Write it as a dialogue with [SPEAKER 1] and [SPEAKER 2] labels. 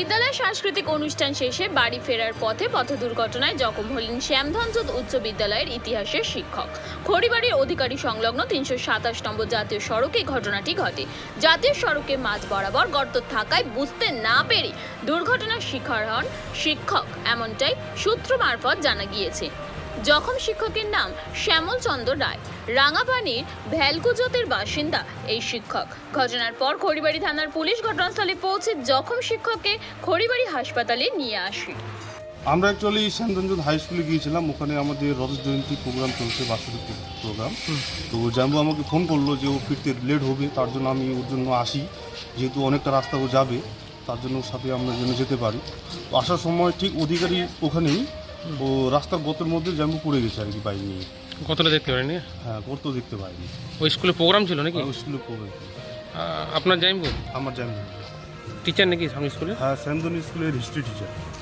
[SPEAKER 1] বিদ্যালয়ের সাংস্কৃতিক অনুষ্ঠান শেষে বাড়ি ফেরার পথে পথ দুর্ঘটনায় জখম হলেন শ্যামধনজোত উচ্চ বিদ্যালয়ের ইতিহাসের শিক্ষক। খড়িবাড়ির অধিকারী সংলগ্ন ৩২৭ নম্বর জাতীয় সড়কে ঘটনাটি ঘটে। জাতীয় সড়কে মাঝ বরাবর গর্ত থাকায় বুঝতে না পেরে দুর্ঘটনার শিকার হন শিক্ষক, এমনটাই সূত্র মারফত জানা গিয়েছে। জখম শিক্ষকের নাম শ্যামল চন্দ্র রায়। রাঙাপানির ভ্যালকুজোতের বাসিন্দা এই শিক্ষক। ঘটনার পর খড়িবাড়ি থানার পুলিশ ঘটনাস্থলে পৌঁছে জখম শিক্ষককে খড়িবাড়ি হাসপাতালে নিয়ে আসে।
[SPEAKER 2] আমরা অ্যাকচুয়ালি শ্যামধনজোত হাই স্কুলে গিয়েছিলাম, ওখানে আমাদের রজত জয়ন্তী প্রোগ্রাম চলছে, বাৎসরিক প্রোগ্রাম। তো জাম্বু আমাকে ফোন করলো যে ও ফিরতে লেট হবে, তার জন্য আমি ওর জন্য আসি, যেহেতু অনেকটা রাস্তা ও যাবে, তার জন্য ওর সাথে আমরা যেন যেতে পারি। তো আসার সময় ঠিক অধিকারী ওখানেই ও রাস্তার গর্তের মধ্যে জাম্বু পড়ে গেছে আর কি, বাইক নিয়ে।
[SPEAKER 3] কতটা দেখতে পারেনি?
[SPEAKER 2] হ্যাঁ, গর্ত দেখতে পাইনি।
[SPEAKER 3] ওই স্কুলে প্রোগ্রাম ছিল নাকি?
[SPEAKER 2] ওই স্কুলে প্রোগ্রাম।
[SPEAKER 3] আপনার জাইম্বু
[SPEAKER 2] আমার জাম্বু
[SPEAKER 3] টিচার নাকি সামনে স্কুলে?
[SPEAKER 2] হ্যাঁ, শ্যামধন স্কুলের হিস্ট্রি টিচার।